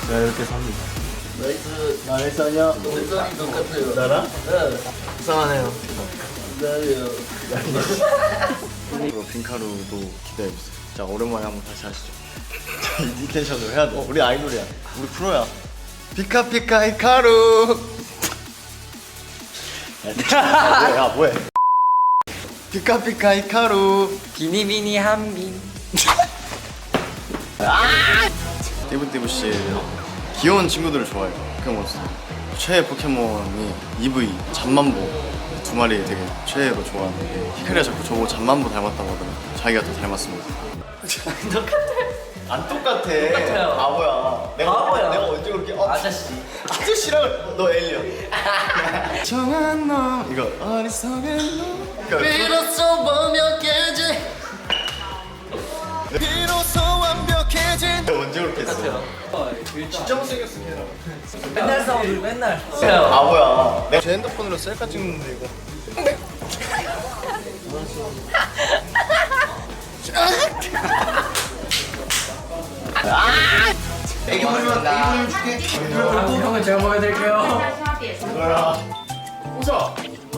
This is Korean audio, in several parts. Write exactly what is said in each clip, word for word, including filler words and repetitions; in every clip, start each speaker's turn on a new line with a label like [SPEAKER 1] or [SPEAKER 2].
[SPEAKER 1] 제가 이렇게 삽니다.
[SPEAKER 2] 나이스.
[SPEAKER 1] 나이스 아니야?
[SPEAKER 2] 색깔이 똑같아요.
[SPEAKER 1] 나랑?
[SPEAKER 2] 네.
[SPEAKER 1] 이상하네요.
[SPEAKER 2] 나요.
[SPEAKER 1] 그리고 빈카루도 기대해주세요. 자, 오랜만에 한번 다시 하시죠. 이 텐션으로 해야 돼. 우리 아이돌이야. 우리 프로야. 피카피카 히카루. 야, 뭐해? 피카피카 히카루.
[SPEAKER 3] 비니비니 한빈.
[SPEAKER 1] 띠부띠부씨 귀여운 친구들을 좋아해요. 포켓몬스터. 최애 포켓몬이 이브이, 잠만보 두 마리 되게 최애로 좋아하는데 히카리가 자꾸 저보고 잠만보 닮았다고 하더라고요. 자기가 더 닮았습니다. 안 똑같아.
[SPEAKER 3] 똑같아요.
[SPEAKER 1] 바보야. 내가
[SPEAKER 3] 바보야.
[SPEAKER 1] 내가 언제 그렇게 어,
[SPEAKER 3] 아저씨.
[SPEAKER 1] 아저씨랑 너 엘리언. 정한 놈 이거 어리석은 놈.
[SPEAKER 2] 비로소 완벽해지.
[SPEAKER 1] 비로소 완벽해진. 언제 그렇게 했어?
[SPEAKER 3] 진짜 못생겼어. 맨날 싸우고 맨날.
[SPEAKER 1] 바보야. 내가 제 핸드폰으로 셀카 찍는데 이거. 애기 보면 애기 보면 줄게.
[SPEAKER 3] 형은 제가 먹여드릴게요.
[SPEAKER 1] 이거야. 웃어.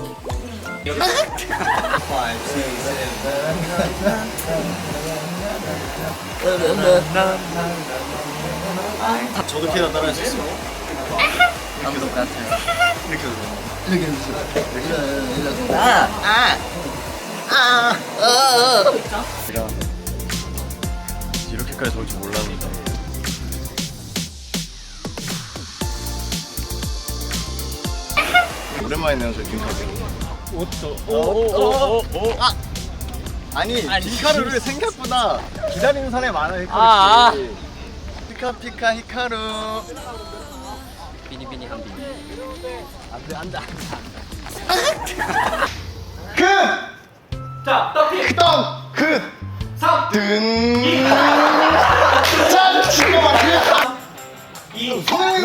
[SPEAKER 1] 저도 키나 따라할 수 있어요.
[SPEAKER 3] 아무도 같아요.
[SPEAKER 1] 이렇게 웃어.
[SPEAKER 2] 이렇게 해주세요. 이렇게 이렇게.
[SPEAKER 3] 아,
[SPEAKER 1] 제가 이렇게까지 좋을 줄 몰랐는데. 오랜만이네요, 저 빈카루.
[SPEAKER 3] 옷도.
[SPEAKER 1] 오오오오 아 아니 빈카루를 생각보다 기다리는 사람이 많아요.
[SPEAKER 3] 아, 아.
[SPEAKER 1] 피카피카 히카루.
[SPEAKER 3] 비니비니 한빈.
[SPEAKER 1] 안돼 안돼 안돼.
[SPEAKER 3] 자, 떡피.
[SPEAKER 1] 덩! 그!
[SPEAKER 3] 삼.
[SPEAKER 1] 든! 짠! 친구 말이야!
[SPEAKER 3] 이.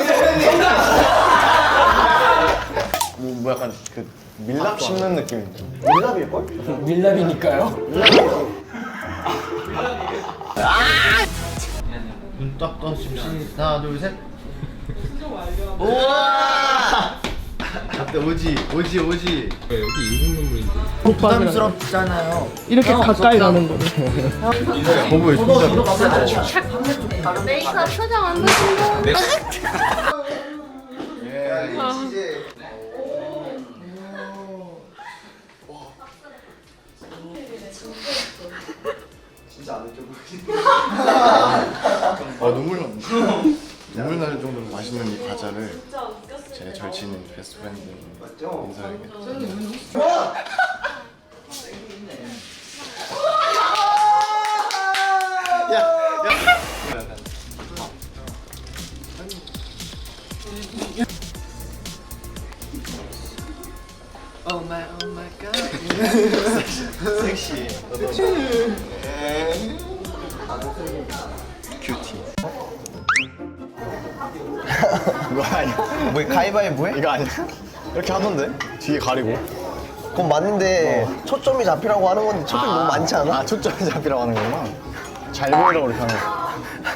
[SPEAKER 1] 뭐, 뭐 약간 그 밀랍 씹는 느낌인데 밀랍일걸?
[SPEAKER 3] 밀랍이니까요.
[SPEAKER 1] 눈딱 떠십시 하나 둘셋 우와! 어때 오지 오지 오지
[SPEAKER 2] 부담스럽잖아요.
[SPEAKER 4] 이렇게 가까이 가는 거를.
[SPEAKER 1] 거부해 진짜
[SPEAKER 5] 메이크업 표정 안 보신다.
[SPEAKER 1] 진짜 안 느껴 아 눈물 나 눈물 날 정도로 맛있는 이 과자를 제 절친 베스트 프렌드 인사에게 야, 야.
[SPEAKER 3] Oh my, oh my god.
[SPEAKER 1] 섹시. 큐티.
[SPEAKER 6] 이거 아니야? 뭐 가위바위보 해?
[SPEAKER 1] 이거 아니야? 이렇게 하던데? 뒤에 가리고.
[SPEAKER 6] 그건 맞는데 초점이 잡히라고 하는 건데 초점이 너무 많지 않아?
[SPEAKER 1] 아 초점이 잡히라고 하는 거구나. 잘 보이라고 이렇게 하는 거.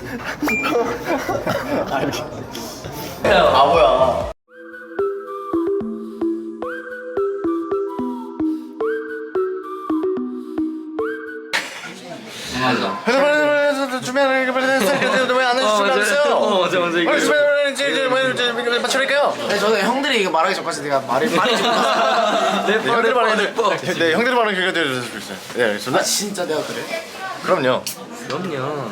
[SPEAKER 1] 아 이렇게. 바보야.
[SPEAKER 3] 맞아.
[SPEAKER 1] 준비하는 왜안 해주셨어요?
[SPEAKER 3] 어, 맞아, 맞아. 이거.
[SPEAKER 1] 맞춰릴까요?
[SPEAKER 2] 네, 저는 형들이 이거 말하기 전까지 내가 말을 많이 좀.
[SPEAKER 3] 내
[SPEAKER 1] 형들 말하는
[SPEAKER 3] 뻔.
[SPEAKER 1] 네 형들 말하는 그거 들려줄 수 있어요. 네
[SPEAKER 2] 아
[SPEAKER 1] 알겠습니다.
[SPEAKER 2] 진짜 내가 그래?
[SPEAKER 1] 그럼요.
[SPEAKER 3] 그럼요.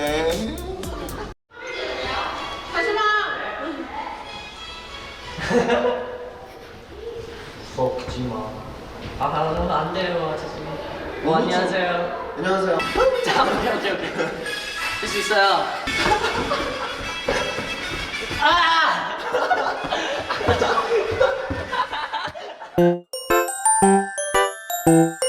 [SPEAKER 3] 먹지 마. 아, 바로 안 돼요, 아저씨. 어, 안녕하세요.
[SPEAKER 1] 안녕하세요.
[SPEAKER 3] 자, 오케이, 오케이, 오케이. 할 수 있어요. 아!